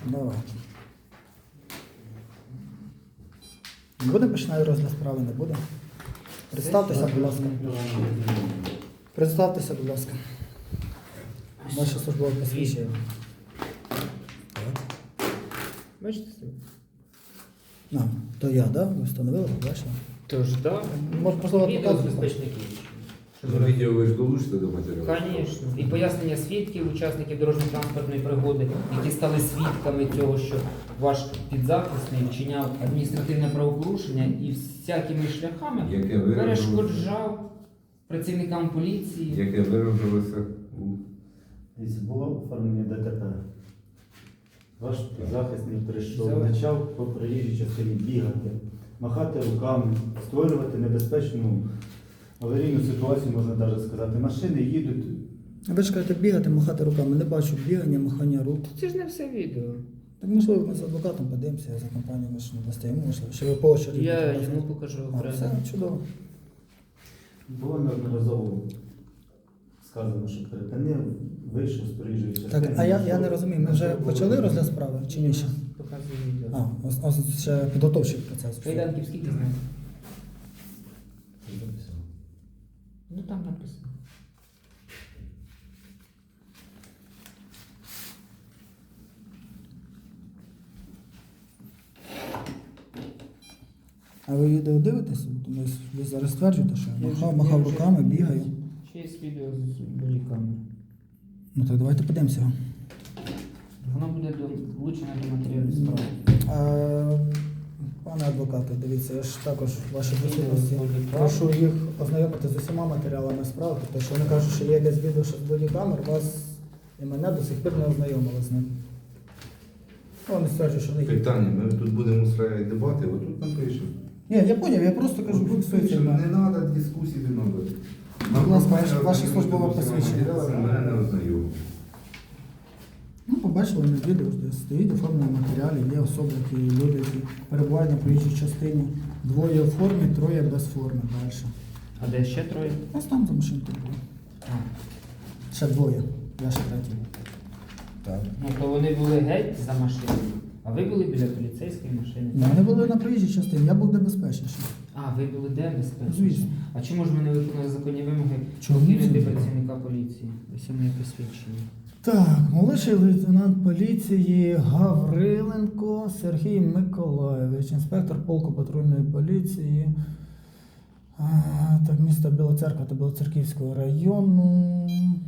Давайте. Не буде починати розгляд справи, не буде? Представтеся, будь ласка. Представтеся, будь ласка. Ваше службове посвідчення. Бачите себе? То я, да? Ви встановили, побачили? Тож, так. Можливо, Відео з показувати? безпечників. Ну, відео ви ж долучите до матеріалу? Звісно. І пояснення свідків, учасників дорожньо-транспортної пригоди, які стали свідками цього, що ваш підзахисний вчиняв адміністративне правопорушення і всякими шляхами Яке виражалося, перешкоджав працівникам поліції. яке виражалося у... Було оформлення ДТП. Ваш захисник прийшов, Все. почав по проїжджій частині бігати, махати руками, створювати небезпечну аварійну ситуацію, можна навіть сказати. Машини їдуть. А ви ж кажете, бігати, махати руками. Не бачу бігання, махання рук. Це ж не все відео. Так можливо, ми з адвокатом подивимося, я за компанію ми ж не достаємо, можливо, що ви по очереді. Я показуєте. йому покажу А, окремо. все, чудово. Було неодноразово сказано, що припинив, вийшов з проїжджої частини. Так, а я не розумію, ми вже почали розгляд справи чи ні ще? Показую відео. А, ось ще підготовчий процес. Кайданків скільки знаєте? Ну там написано. А ви відео дивитеся? Тому ви зараз стверджуєте, що я Я вже- махав я вже- руками, бігаю. Ще є відео з бодікамери. Ну так давайте подивимося. Воно буде влучене до матеріалів справи. Пане адвокате, дивіться, я ж також в вашій присутності прошу їх ознайомити з усіма матеріалами справи, тому що вони кажуть, що є десь відео що з бодікамер, вас і мене до сих пір не ознайомили з ним. Вони стверджують, що в них є. Питання, ми тут будемо устраивати дебати, отут напишемо. Ні, я поняв, я просто кажу, Отут фіксуйте пишемо, не мене. треба дискусії, не треба. Будь ласка, ваше службове посвідчення. Мене не ознайомили. Ну, побачили на відео, де стоїть оформлені матеріалі, є особи, які люди, які перебувають на проїжджій частині. Двоє в формі, троє без форми далі. А де ще троє? Ось там за машинкою було. Ще двоє, я ще третій. Так. Ну то вони були геть за машиною, а ви були біля поліцейської машини. Ні, вони були на проїжджій частині, я був де безпечніший. А, ви були де безпечно? Звісно. А чому ж ми не виконали законні вимоги Чому покинути це? працівника поліції? Ось моє посвідчення. Так, молодший лейтенант поліції Гавриленко Сергій Миколайович, інспектор полку патрульної поліції. Так, місто Біла Церква та Білоцерківського району.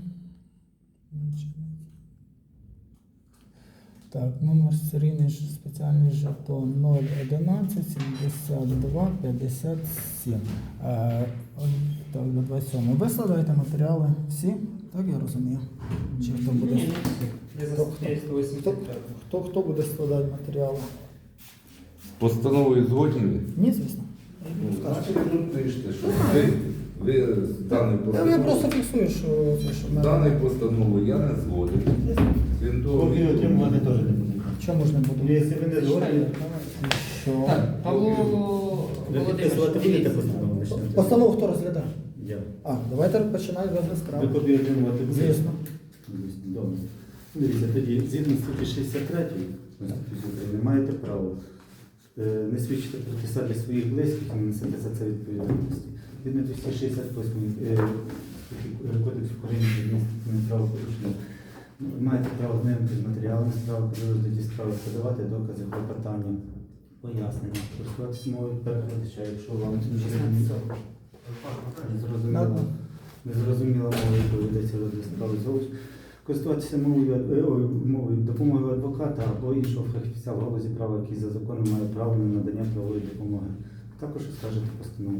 Так, номер серійний спеціальний жетон 011 72 57. Так, до 27. Ви складаєте матеріали всі? Так я розумію. Чи хто буде? Ні, я за Хто- статтею 185. Хто буде складати матеріали? Постановою згодні ви? Ні, звісно. Значить, ви тут пишете, що ви з даною Я просто постановою, фіксую, що це що в мене- даною постановою я не згоден. Крім того, Копію отримувати теж не буде. Чому ж не буду? Якщо ви не згодні, Що? Так, Павло ви підписувати будете Володимирович, постанову? почнете? Постанову хто розглядає? Я. Давайте починаємо розгляд Ви справи. копію отримувати будете? Звісно. Добре. Дивіться, тоді, згідно статті 63 Конституції України, маєте право не свідчити проти себе своїх близьких і не несете за це відповідальності. Згідно 268 Кодексу України про адміністративне правопорушення, маєте право знайомитися з матеріалами справи, при розгляді справи подавати докази, клопотання, пояснення, користуватися мовою перекладача, якщо вам це не зрозуміло. Незрозуміла мова, яку ведеться розгляд справи зовсім. Користуватися мовою допомогою адвоката або іншого фахівця в галузі права, який за законом має право на надання правової допомоги. Також скажете постанову.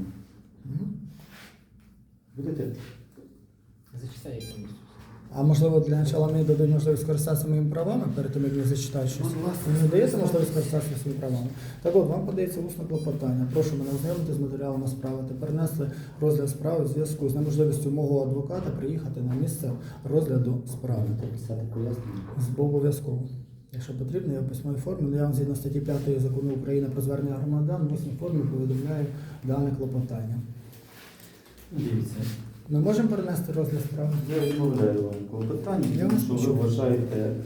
Будете? Зачитай їх повністю. А можливо для початку мені дадуть можливість скористатися моїми правами перед тим, як я зачитаю щось? Мені не дається можливість скористатися своїми правами. Так от, вам подається усне клопотання. Прошу мене ознайомити з матеріалами справи та перенесли розгляд справи в зв'язку з неможливістю мого адвоката приїхати на місце розгляду справи. Будете писати пояснення? Обов'язково. Якщо потрібно, я в письмовій формі, але я вам згідно статті 5 Закону України про звернення громадян в усній формі повідомляю дане клопотання. Дивіться. Ми можемо перенести розгляд справи? Я відмовляю вам клопотання, Я тому вас що ви почув. вважаєте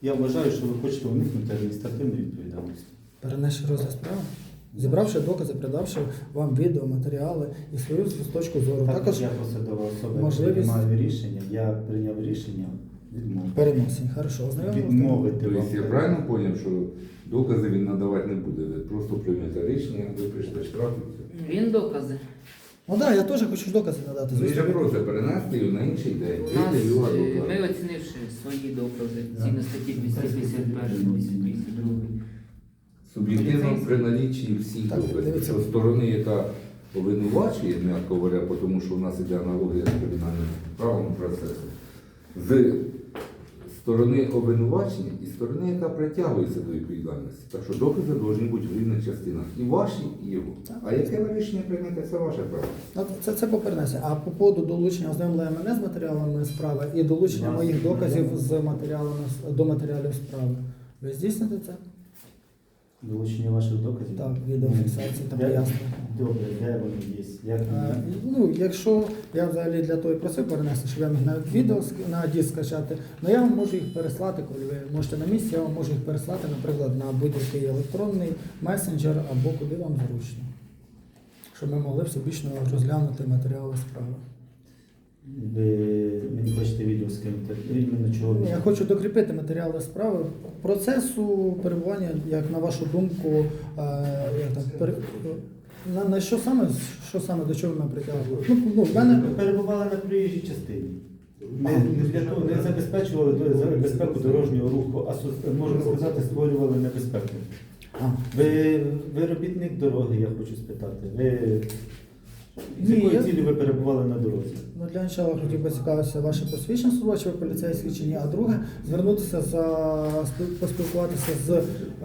Я вважаю, що ви хочете уникнути адміністративної відповідальності. Перенесши розгляд справи, зібравши докази, передавши вам відео, матеріали і свою точку зору. Також я посадова особа, можливість- приймаю рішення, я прийняв рішення відмовити. переносень. Хорошо, ознайомилися? Відмовити вам. Тобто я правильно зрозумів, що докази він надавати не буде. Ви просто приймете рішення, ви прийшли штраф і все. Він докази. Ну так, я теж хочу докази надати. Він же Звісно, просто перенести його на інший день. У нас, Вийде його ми адвокат. оцінивши свої докази, згідно статті 251, 252. Суб'єктивно при налічі всіх Так, доказів. дивіться. Що сторони, яка обвинувачує, м'яко говоря, тому що у нас іде аналогія з кримінальним правом процесу, з сторони обвинувачення і сторони, яка притягується до відповідальності. Так що докази повинні бути в рівних частинах. І ваші, і його. А яке ви рішення приймете, це ваше право. ну, це по перенесенню. А по поводу долучення ознайомлення мене з матеріалами справи і долучення Вас моїх доказів ознайомлено. з матеріалами до матеріалів справи. Ви здійсните це? Долучення ваших доказів? Так, відеофіксації та Де- пояснення. Добре, де вони є? Як вони? Ну, якщо я взагалі для того і просив перенести, щоб я міг на відео на диск скачати, але я вам можу їх переслати, коли ви можете на місці, я вам можу їх переслати, наприклад, на будь-який електронний месенджер або куди вам зручно, щоб ми могли всебічно розглянути матеріали справи. Ви мені хочете відео скинути? Іменно чого? Я хочу докріпити матеріали справи процесу перебування, як на вашу думку, як там, на що саме до чого ми притягували? Ну, в мене Ви перебували на проїжджій частині. Не для того, не забезпечували безпеку дорожнього руху, а можна сказати, створювали небезпеку. Ви робітник дороги, я хочу спитати. З Ні, якою я- цілі ви перебували на дорозі? Ну, для початку хотів би цікавитися ваше посвідчення служба, чи ви поліцейський чи ні, а друге звернутися поспілкуватися з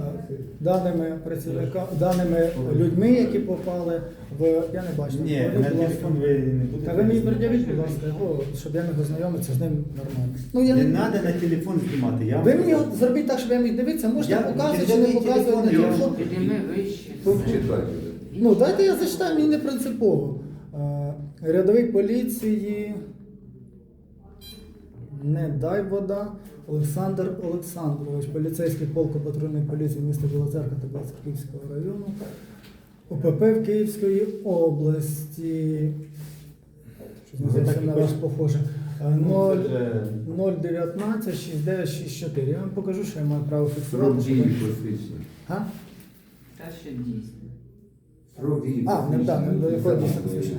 даними людьми, які попали в. Я не бачу. Ні, Будь на ласка. телефон ви не будете. Та ви мені пред'явіть, будь ласка, його, щоб я міг ознайомитися з ним нормально. Ну, я Не не... треба на телефон знімати. Я Ви вам мені сказав. от зробіть так, щоб я міг дивитися, можете Я- показувати чи не телефон, показувати на я вам- телефон. Підійми вище. Читайте. Ну, дайте я зачитаю, мені не принципово. Рядовий поліції, не дай вода, Олександр Олександрович, поліцейський полку патрульної поліції міста Біла Церква та Білоцерківського району, ОПП в Київської області. Щось називається на вас похоже. 019 6964. Я вам покажу, що я маю право фіксувати. Срок щоб дії ви- посвідчення. Га? Та ще дійсно. Срок дії Не до якого Це дійсно наше посвідчення?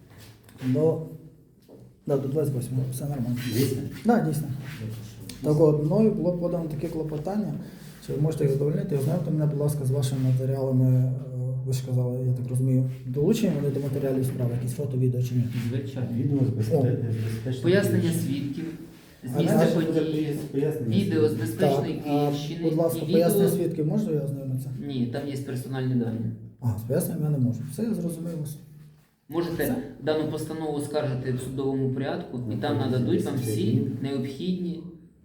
До 28, все нормально. Дійсно? Так, дійсно. Так от, мною було подано таке клопотання, чи ви можете їх задовольнити, ознайомте мене, будь ласка, з вашими матеріалами, ви ж казали, я так розумію, долучені вони до матеріалів справи, якісь фото, відео чи ні? Звичайно. Відео з безпечної. Пояснення свідків з А місця наше події, Пояснення відео з свідків. безпечної Київщини. Будь ласка, і пояснення відео... свідків, можна я ознайомитися? Ні, там є персональні дані. З поясненням я не можу. Все, я зрозумів вас. Можете дану постанову скаржити в судовому порядку, і там нададуть вам всі необхідні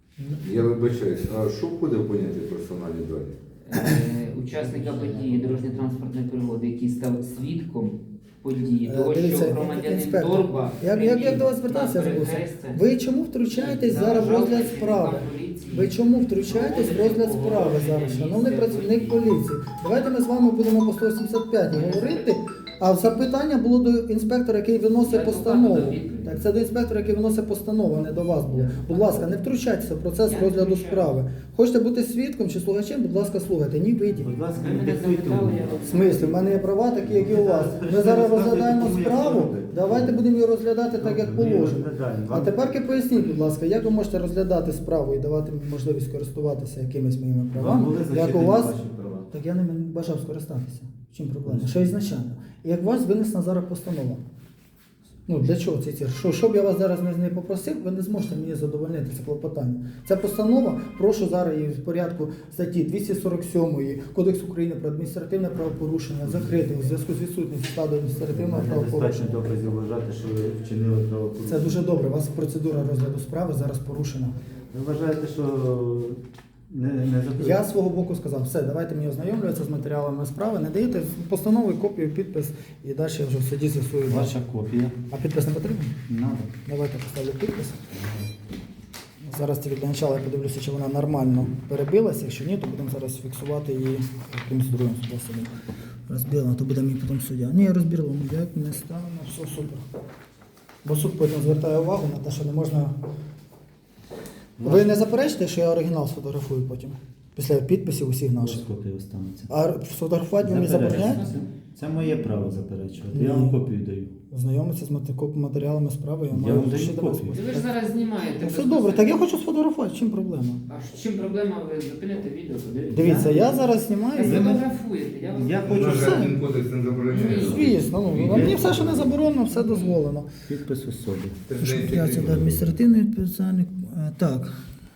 Я вибачаюсь, а що входить в поняття персональні дані? учасника події дорожньо-транспортної пригоди, який став свідком події, того, Дивіться, що громадянин інспектор, Торба як до вас звертався, я забувся. Ви чому втручаєтесь зараз в розгляд справи? Ви чому втручаєтесь в розгляд справи зараз, шановний працівник поліції? Давайте ми з вами будемо по 185 говорити, а запитання було до інспектора, який виносить постанову. Так, це до інспектора, який виносить постанову, а не до вас було. Будь ласка, не втручайтеся в процес розгляду справи. Хочете бути свідком чи слухачем, будь ласка, слухайте. Ні, вийдіть. Будь ласка, Ви не мене диктуйте. запитали, я В смислі, в мене є права такі, як і у вас. Ми зараз розглядаємо справу, давайте будемо її розглядати так, як положено. А тепер поясніть, будь ласка, як ви можете розглядати справу і давати мені можливість користуватися якимись моїми Вам правами, були як у зачитані вас, ваші права. так я ними не бажав скористатися. В чим проблема? Що ізначально. І як у вас винесена зараз постанова. Ну, для чого це? Щоб я вас зараз не попросив, ви не зможете мені задовольнити це клопотання. Ця постанова, прошу зараз її в порядку статті 247 Кодексу України про адміністративне правопорушення закрити у зв'язку з відсутністю складу адміністративного Недостатньо правопорушення. доказів вважати, що ви вчинили правопорушення. Це дуже добре. У вас процедура розгляду справи зараз порушена. Ви вважаєте, що не запитання? Я з свого боку сказав, все, давайте мені ознайомлюватися з матеріалами справи, не даєте постанову, копію, підпис і далі я вже в суді з'ясую. Ваша копія. А підпис не потрібен? Надо. Давайте поставлю підпис. Зараз тільки для початку я подивлюся, чи вона нормально перебилася. Якщо ні, то будемо зараз фіксувати її якимось другим способом. Розбілено, то буде мій потім суддя. Ні, розбірло, як не стане, все супер. Бо суд потім звертає увагу на те, що не можна. Ви не заперечите, що я оригінал сфотографую потім? Після підписів усіх наших. Копія останеться. А сфотографувати ви мені забороняєте? Це моє право заперечувати. Ні. Я вам копію даю. Знайомитися з матеріалами справи, я Я маю вам даю ще тебе копію. Ви ж зараз знімаєте. Ну, все безпосередньо. добре, так я хочу сфотографувати, чим проблема? А з чим проблема? Ви зупините відео, подивіться. Дивіться, я зараз Ви знімаю. сфотографуєте, я вас Я У хочу нас все. же адмінкодекс не забороняє. Звісно, ну, мені все, що не заборонено, все дозволено. Підпис особи. Це ж Що здається, я це кримінал. адміністративний відповідальник. Так.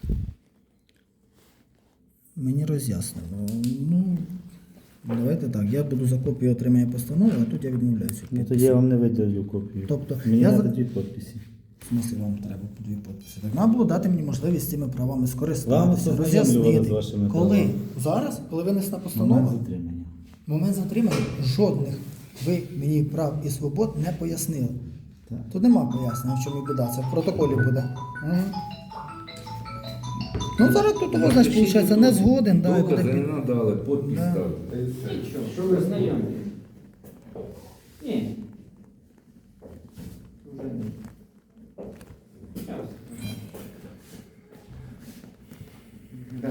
Мені роз'яснено. Ну, давайте так. Я буду за копію отримання постанови, а тут я відмовляюся. від Ну, тоді підпису. я вам не видаю копію. Тобто, Мені я треба за- дві підписи. В смислі вам треба по дві підписи. Так треба було дати мені можливість цими правами Вам скористатися, ознайомлювали роз'яснити. з вашими Коли? правами. Зараз? Коли винесена постанова? Момент затримання. Момент затримання жодних ви мені прав і свобод не пояснили. Так. Тут нема пояснення, в чому біда. Це в протоколі буде. Мгм. Ну зараз тут у вас, значить, виходить, не згоден. Да, і буде Докази не під- надали, підпис Да. ставили. Та й все. Нічого, Що ви знайомі? Ні. Вже ні. Щас. Да.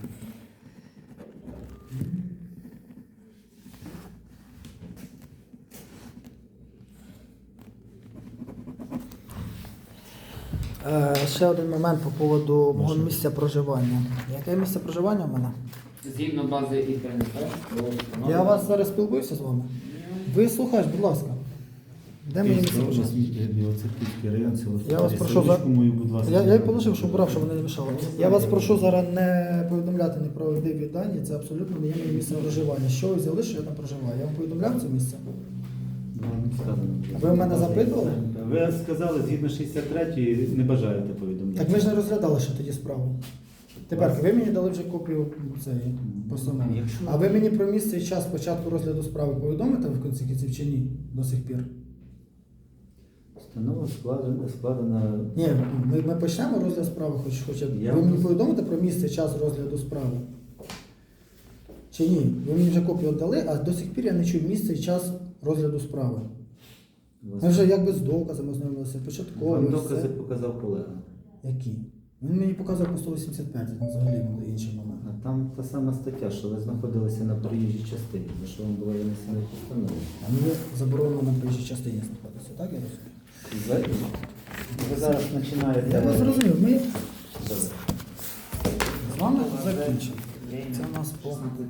Ще один момент по поводу мого місця проживання. Яке місце проживання в мене? Згідно бази ІТНП, було встановлено. Я вас зараз спілкуюся з вами. Ви слухаєте, будь ласка. Де мені місце проживання? Білоцерківський район, село Я вас Старі. прошу за- Селищку мою, будь ласка. Я їх положив, щоб брав, щоб вони не мішали. Я вас прошу зараз не повідомляти неправдиві дані, це абсолютно не є моє місце проживання. Що ви взяли, що я там проживаю? Я вам повідомляв це місце? Вам не сказано. Ви в мене запитували? Ви сказали, згідно 63-ї не бажаєте повідомляти. Так ми ж не розглядали ще тоді справу. Тепер ви мені дали вже копію цієї постанови. Якщо- А ви мені про місце і час початку розгляду справи повідомите в кінці кінців чи ні до сих пір? Постанова складена. Ні, ми почнемо розгляд справи, хоча б. Я Ви мені вас- повідомите про місце і час розгляду справи? Чи ні? Ви мені вже копію віддали, а до сих пір я не чую місце і час розгляду справи. Ми вже якби з доказами ознайомилися, початково. Вам все. докази показав колега. Які? Він мені показав по 185, там взагалі буде інший момент. А там та сама стаття, що ви знаходилися на проїжджій частині, за що вам була винесена постанова. А мені заборонено на проїжджій частині знаходитися, так я розумію? Ви зараз починаєте. Я вас зрозумів, ми Добре. з вами закінчимо. Це у нас по